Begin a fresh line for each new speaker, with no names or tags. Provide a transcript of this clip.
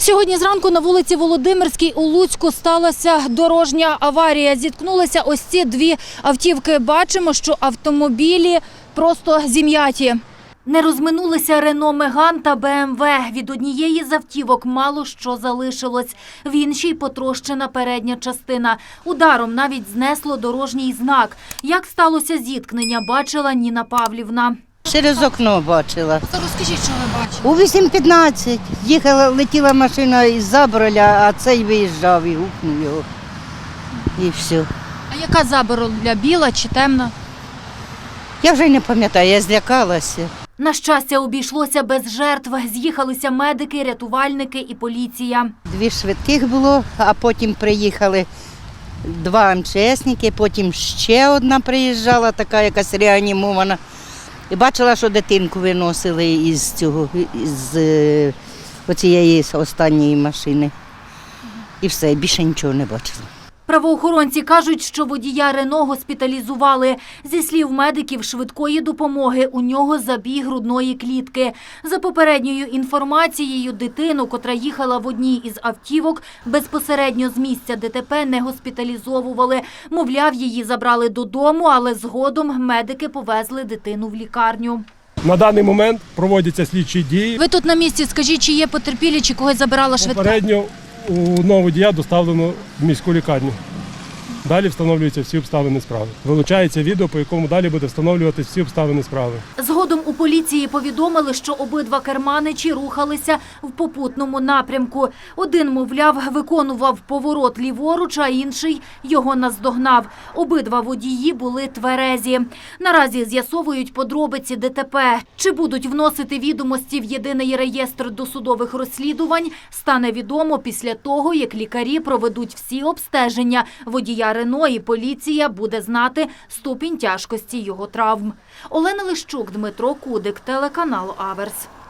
Сьогодні зранку на вулиці Володимирській у Луцьку сталася дорожня аварія. Зіткнулися ось ці дві автівки. Бачимо, що автомобілі просто зім'яті. Не розминулися Рено Меган та БМВ. Від однієї з автівок мало що залишилось. В іншій потрощена передня частина. Ударом навіть знесло дорожній знак. Як сталося зіткнення, бачила Ніна Павлівна.
Через окно бачила.
Розкажіть, що ви бачили?
У 8:15 летіла машина із Заброля, а цей виїжджав і гукнув його. І все.
А яка Заброля, біла чи темна?
Я вже й не пам'ятаю, я злякалася.
На щастя, обійшлося без жертв. З'їхалися медики, рятувальники і поліція.
2 швидких було, а потім приїхали 2 МЧСники, потім ще одна приїжджала, така якась реанімована. І бачила, що дитинку виносили із оцієї останньої машини. І все, більше нічого не бачила.
Правоохоронці кажуть, що водія Рено госпіталізували. Зі слів медиків швидкої допомоги, у нього забій грудної клітки. За попередньою інформацією, дитину, котра їхала в одній із автівок, безпосередньо з місця ДТП не госпіталізовували. Мовляв, її забрали додому, але згодом медики повезли дитину в лікарню.
На даний момент проводяться слідчі дії.
Ви тут на місці, скажіть, чи є потерпілі, чи когось забирала швидка?
Попередньо одного водія доставлено в міську лікарню. Далі встановлюються всі обставини справи. Вилучається відео, по якому далі буде встановлюватися всі обставини справи.
Згодом у поліції повідомили, що обидва керманичі рухалися в попутному напрямку. Один, мовляв, виконував поворот ліворуч, а інший його наздогнав. Обидва водії були тверезі. Наразі з'ясовують подробиці ДТП. Чи будуть вносити відомості в єдиний реєстр досудових розслідувань, стане відомо після того, як лікарі проведуть всі обстеження водія Рено, і поліція буде знати ступінь тяжкості його травм. Олена Лищук, Дмитро Кудик, телеканал Аверс.